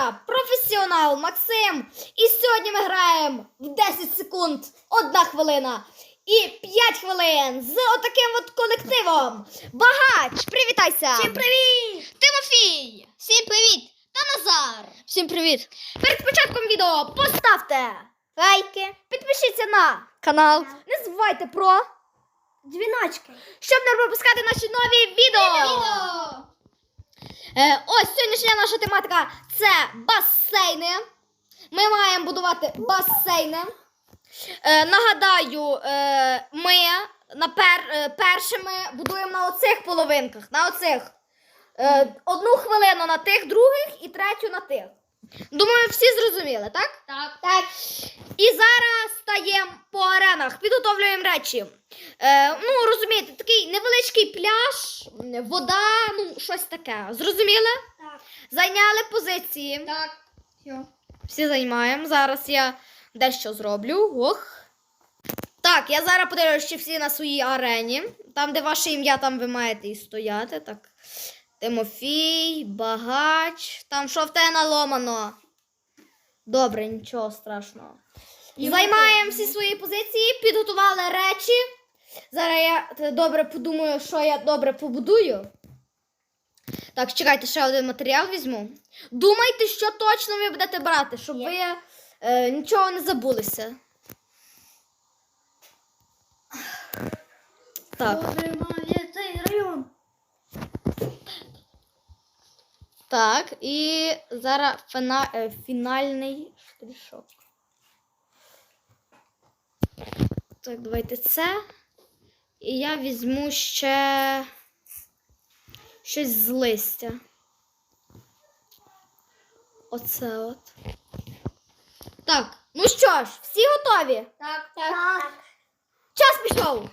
я, професіонал Максим, і сьогодні ми граємо в 10 секунд, 1 хвилина і 5 хвилин з отаким от колективом. Багач, привітайся! Всім привіт! Тимофій! Всім привіт! Та Назар! Всім привіт! Перед початком відео поставте лайки, підпишіться на канал, не забувайте про Дзвіночки! щоб не пропускати наші нові відео. Ось сьогоднішня наша тематика – це басейни. Ми маємо будувати басейни. Нагадаю, ми першими будуємо на оцих половинках, на оцих. 1 хвилину на тих других і 3 на тих. Думаю, всі зрозуміли, так? Так. І зараз стаємо по аренах, підготовлюємо речі. Ну, розумієте, такий невеличкий пляж, вода, ну, щось таке. Зрозуміли? Так. Зайняли позиції. Так. Все. Всі займаємо. Зараз я дещо зроблю. Ох. Так, я зараз подивлюсь, чи всі на своїй арені. Там, де ваше ім'я, там ви маєте і стояти. Так. Тимофій, Багач. Там що в тебе наломано? Добре, нічого страшного. Займаємо всі свої позиції, підготували речі. Зараз я добре подумаю, що я добре побудую. Так, чекайте, ще один матеріал візьму. Думайте, що точно ви будете брати, щоб ви нічого не забулися. Так. Цей район. Так, і зараз фінальний штришок. Так, давайте це. І я візьму ще щось з листя. Оце от. Так, ну що ж, всі готові? Так. Так. Час пішов!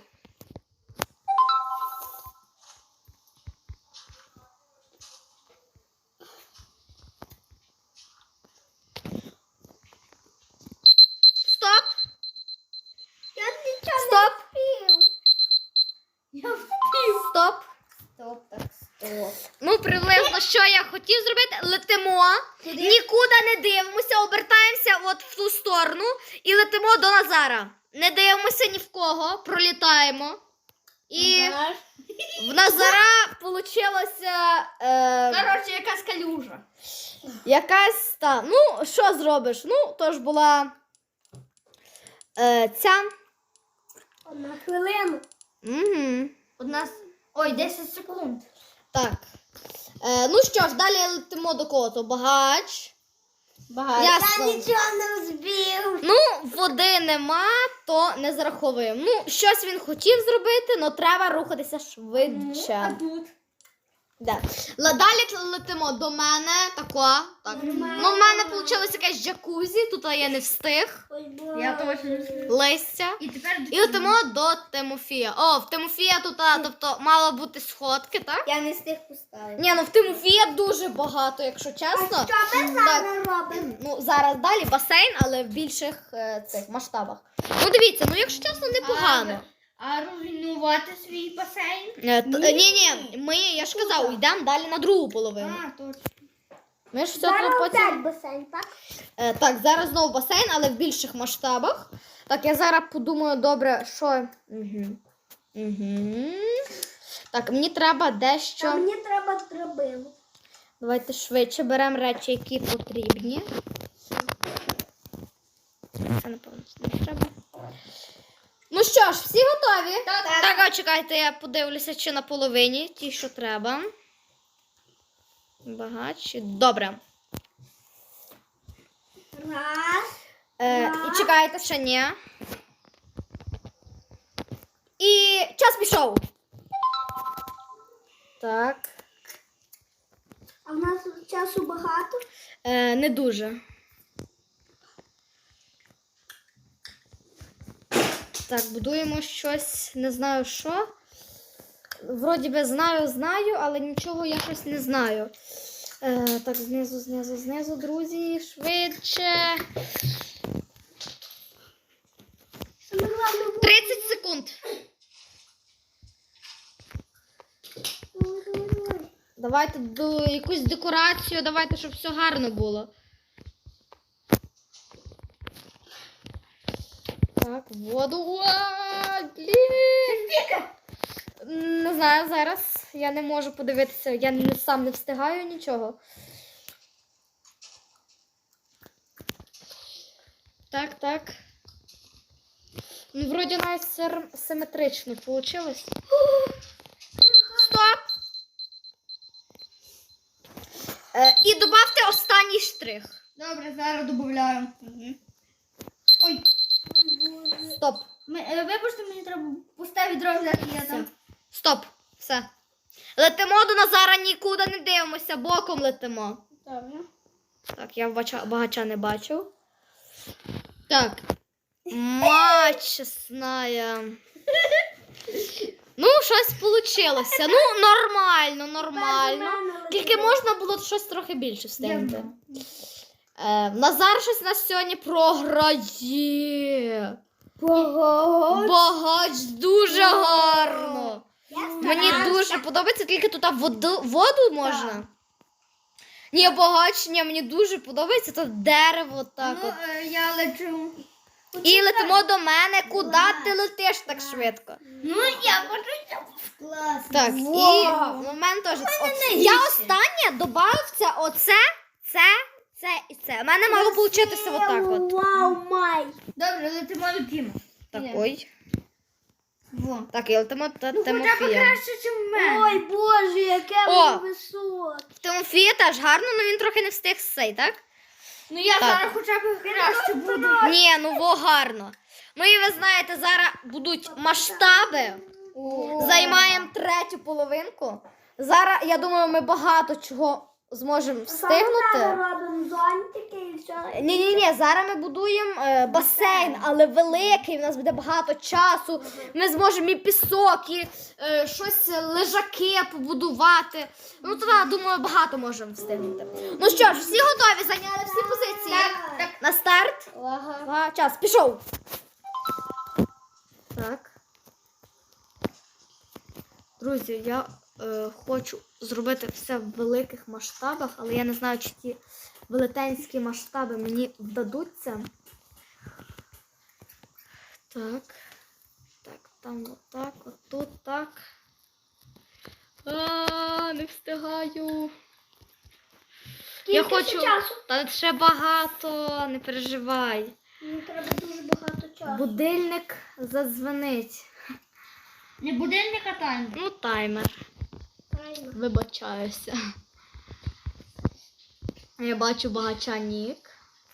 Стоп! Я нічого Стоп! не встиг. Я встиг. Стоп! Стоп, так, стоп. Ну, приблизно, що я хотів зробити, летимо, Куди? нікуди не дивимося, обертаємося от в ту сторону і летимо до Назара. Не дивимося ні в кого, пролітаємо. І в Назара получилося Коротше, якась калюжа. якась та. Ну, що зробиш? Ну, то ж була ця. 1 хвилина. Угу. Ой, 10 секунд. Так. Ну що ж, далі летимо до кого? То Багач. Ясно. Я нічого не збив. Ну, води нема, то не зараховуємо. Ну, щось він хотів зробити, але треба рухатися швидше. А тут? Да. Далі летимо до мене, тако. Так. Ну, в мене вийшло якесь джакузі, тут я не встиг. Я точно не збив. Листя. І тепер І летимо до Тимофія. О, в Тимофія тут, тобто, мало бути сходки, так? Я не встиг поставити. Ні, ну в Тимофія дуже багато, якщо чесно. Що ми зараз робимо? Ну, зараз далі басейн, але в більших цих масштабах. Ну, дивіться, ну, якщо чесно, непогано. А руйнувати свій басейн? Ні, я ж казав, йдемо далі на другу половину. А, точно. Ми ж все тут потім... басейн, так? Так, зараз знову басейн, але в більших масштабах. Так, я зараз подумаю, добре, що... Так, мені треба дещо... Мені треба драбину. Давайте швидше беремо речі, які потрібні. Це, напевно, не треба. Ну що ж, всі готові? Так, чекайте, я подивлюся, чи на половині ті, що треба. Багатші. Добре. Раз. І чекайте, ще ні. І час пішов. Так. А в нас часу багато? Не дуже. Так, будуємо щось, не знаю що. Вроді би знаю, але нічого я щось не знаю. Так, знизу, друзі, швидше. 30 секунд. Давайте якусь декорацію, давайте, щоб все гарно було. Так, воду. Блін. Не знаю зараз. Я не можу подивитися. Я сам не встигаю нічого. Так. Ну, вроді навіть симетрично вийшло. Стоп! І добавте останній штрих. Добре, зараз додаємо. Ой, Стоп. вибачте, мені треба пусте відро взяти, я там. Стоп. Все. Летимо до Назара, нікуди не дивимося, боком летимо. Добре. Так, я багача не бачу. Так. Мать чесная. Ну, щось вийшло. Ну, нормально. Тільки можна було щось трохи більше встигнути. Назар щось нас сьогодні програє. Багач дуже гарно. Мені дуже подобається, тільки тут воду можна. Ні, багач, мені дуже подобається, тут дерево так от. Я лечу. І летимо до мене. Куди ти летиш так швидко? Ну, я хочу, щоб класно. Так, і в мене теж. Я останнє додався оце, це і це. У мене мало получитися отак от. Вау, май. Добре, летимо. Такой. Во. Так, і летимо Ну, хоча б Тимофія. краще, ніж в мене. Ой, Боже, яке О! воно високе. Тимофія теж гарно, але він трохи не встиг сей, так? Ну, я Так. зараз хоча б краще буду. Ні, ну гарно. Ну і ви знаєте, зараз будуть масштаби. Займаємо третю половинку. Зараз, я думаю, ми багато чого зможемо встигнути. Робимо зонтики і все. Ні, зараз ми будуємо басейн, але великий, у нас буде багато часу. Ми зможемо і пісок, і щось лежаки побудувати. Ну, то, думаю, багато можемо встигнути. Ну що ж, всі готові, зайняли всі позиції? Так. На старт. Ага, час, пішов. Так. Друзі, я хочу зробити все в великих масштабах, але я не знаю, чи ті велетенські масштаби мені вдадуться. Так, там отак, отут так. Не встигаю. Я хочу. Часу? Та ще багато, не переживай. Мені треба дуже багато часу. Будильник задзвонить. Не будильник, а таймер. Ну, таймер. Правильно. Вибачаюся. Я бачу багача нік.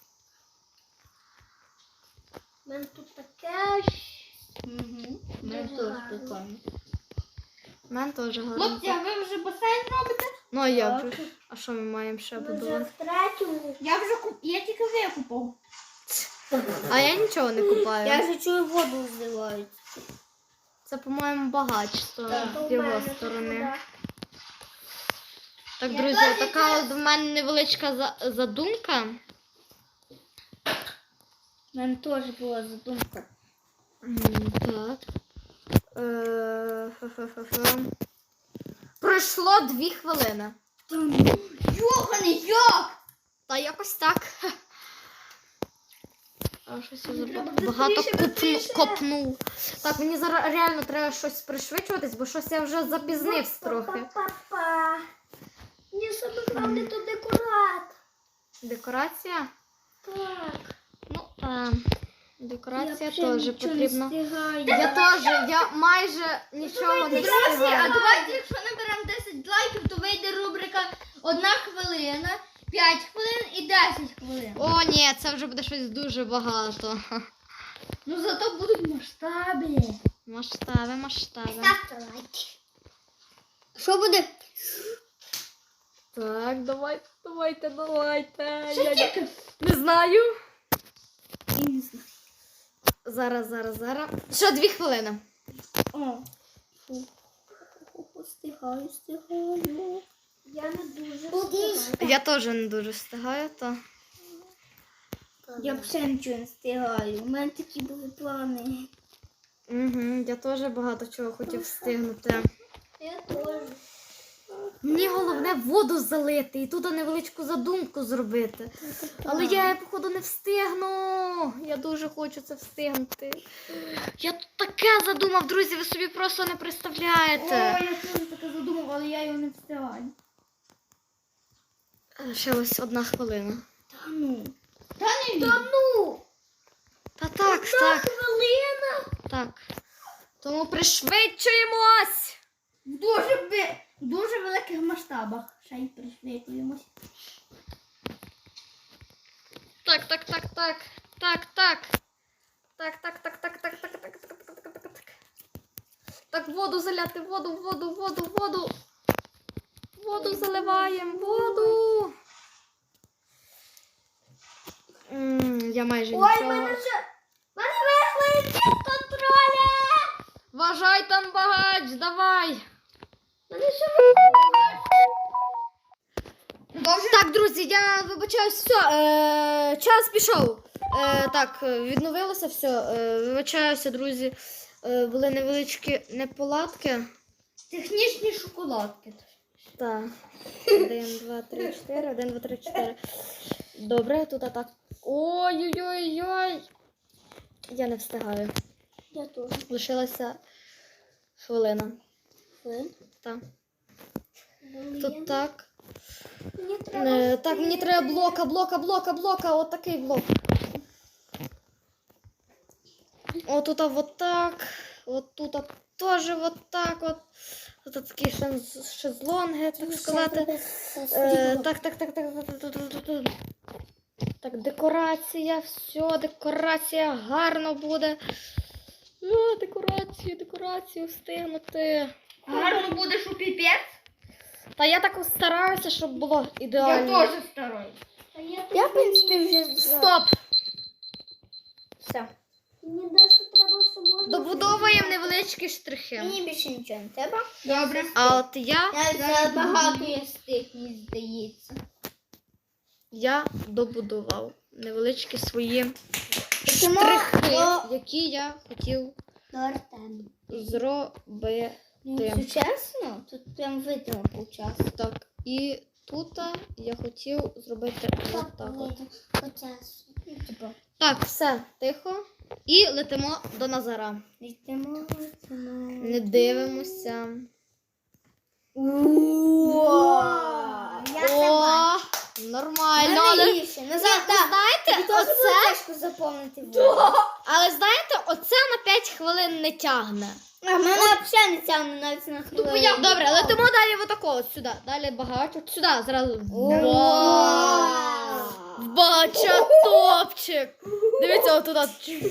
У мене тут таке. Мене Дуже теж гарно. прикольно. У мене теж гарно. Хлопці, а ви вже басейн робите? Ну, а як же? А що ми маємо ще Ми вже будувати? в третьому. Я тільки викупав. А я нічого не купаю. вже чую, воду зливають. Це, по-моєму, багач То з в його мене тут сторони. вода. Так, Я друзі, теж така от в мене невеличка задумка. У мене теж була задумка. Так. Пройшло 2 хвилини. Йоханий, як? Та якось так. А щось я треба багато бистріше. копнув. Так, мені зараз реально треба щось пришвидшуватись, бо щось я вже запізнився трохи. Па-па-па. Мені саме головне то декорат. Декорація? Так. Ну, декорація Я теж вже потрібна. нічого не встигаю. Я майже нічого не Друзі, а встигаю. давайте, якщо наберемо 10 лайків, то вийде рубрика 1 хвилина, 5 хвилин і 10 хвилин. О, ні, це вже буде щось дуже багато. Ну зато будуть масштаби. Масштаби. Ставте лайки. Що буде? Так, давайте. Що тільки? Не знаю. І не знаю. Зараз. Що 2 хвилини? О. Встигаю. Я не дуже встигаю. Я теж не дуже встигаю, то. Я взагалі нічого не встигаю. У мене такі були плани. Угу, я теж багато чого хотів встигнути. Я теж. Мені головне воду залити і тут невеличку задумку зробити. Але я, походу, не встигну. Я дуже хочу це встигнути. Я тут таке задумав, друзі, ви собі просто не представляєте. Я теж таке задумав, але я його не встигаю. Ще ось 1 хвилина. Та ну. Та не Та ну. Та так, так, Хвилина. так. Тому пришвидшуємось. В дуже великих масштабах. Ще й пришвидшуємось. Так. Так, воду заляти, воду. Воду заливаємо, воду. Я майже Ой, нічого. мене вийшли з контроля. Вважай там багач, давай. Мене ще Так, друзі, я вибачаюсь, все, час пішов. Так, відновилося все. Вибачаюся, друзі. Були невеличкі неполадки. Технічні шоколадки. Так. 1, 2, 3, 4. 1, 2, 3, 4. Добре, тут так. Ой-ой-ой-ой. Я не встигаю. Я теж. Лишилася хвилина. Так. Тут так. Мені треба. Так, мені треба блока. От такий блок. Отут вот так. От тут теж вот так от. Тут такі шезлонги, так сказати. Так. Так, декорація, все, декорація гарно буде. Декорацію встигнути. Гарно будеш у піпець. Та я так стараюся, щоб було ідеально. Я теж стараюсь. Я, в принципі, вже Стоп! Все. Мені дещо треба, що можна. Добудовуємо невеличкі штрихи. Мені більше нічого не треба. Добре. А от я Багато є стих, мені здається. добудував невеличкі свої Чому? штрихи, які я хотів Артем. зробити. Ну, чесно, тут прям видно час. Так, і тут я хотів зробити отак. Так, все, тихо. І летимо до Назара. Йдемо. Не дивимося. О, нормально. Але Назад, знаєте, Оце оце, тяжко заповнити воду. але знаєте, оце на 5 хвилин не тягне. А в мене взагалі не тягне навіть на хвилину. Добре, летимо далі отако, от сюди. Далі багато. Сюди, зразу. Вау! Бача топчик. Дивіться, отуда.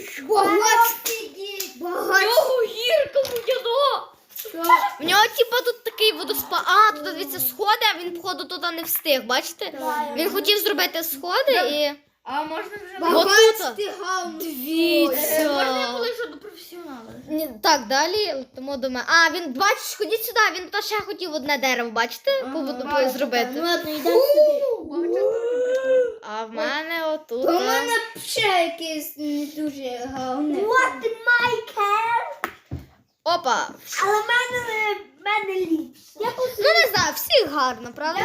Його гірка моя. В нього, типа, тут такий водоспад. А, тут, дивіться, сходи, а він, походу, туди не встиг, бачите? Він хотів зробити сходи і... А можна вже Отут. Можна Дивіться. коли вже до професіонала. Так, далі летимо до мене. А, він, бачиш, ходіть сюди, він тут ще хотів одне дерево, бачите? Зробити. Ну ладно, йдемо сюди. А в мене отут. У мене ще якесь не дуже гарне. What my car? Опа. Але в мене ліпше. Я Ну, не знаю, всіх гарно, правда?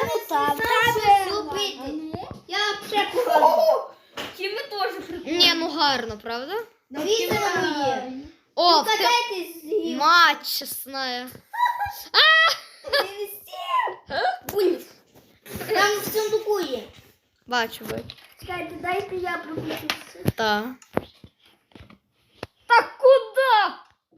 Я ще погано. Ті ми теж прикольні. Ні, ну гарно, правда? Дивіться на моє. О, Катайтесь з гір. мать чесная. Бульф. Там в сундуку є. Бачу. Чекайте, дайте я пробіжуся. Так. Так куди?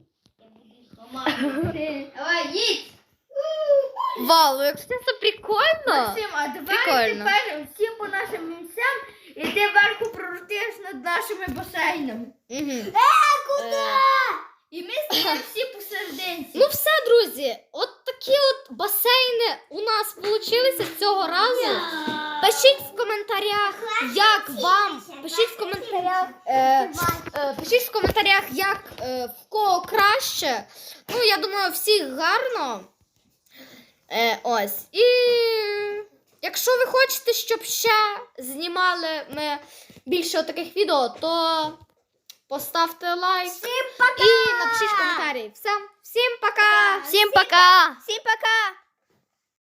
Давай, їдь. Вау, якщо це прикольно. Максим, а давай Прикольно. тепер всі по нашим місцям і ти верху пролетиш над нашими басейнами. Угу. І ми стоїмо всі посерединці. Ну все, друзі, от такі от басейни у нас вийшли цього разу. Пишіть в коментарях, як вам. Пишіть в коментарях, пишіть в коментарях, як в кого краще. Ну, я думаю, всіх гарно. Ось. І якщо ви хочете, щоб ще знімали ми більше таких відео, то поставте лайк і напишіть коментарі. Всім пока! Всім пока! Всім